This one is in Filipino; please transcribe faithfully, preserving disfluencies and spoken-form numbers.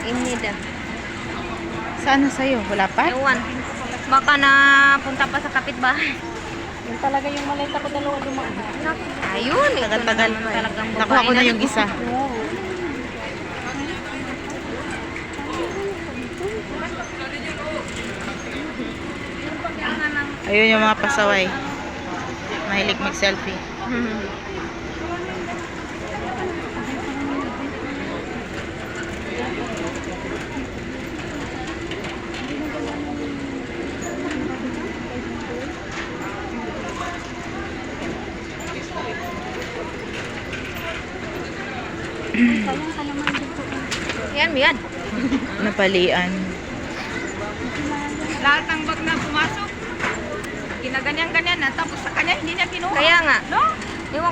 Inid ah. Saan na sa'yo? Wala pa? Ewan. Baka na punta pa sa kapitbahay. Yun talaga yung malita ko dalawa dumaan. Ayun. ito na Tagal-tagal naman pa eh. talagang Nakuha babae ko na yung isa. Ayun yung mga pasaway. Mahilig mag-selfie. Hmm. Sayang ka naman dito. Yan, yan. Napalian. Lahat ng bag na pumasok, ginaganyan-ganyan na. Tapos sa kanya, hindi niya kinuha. Kaya nga. No!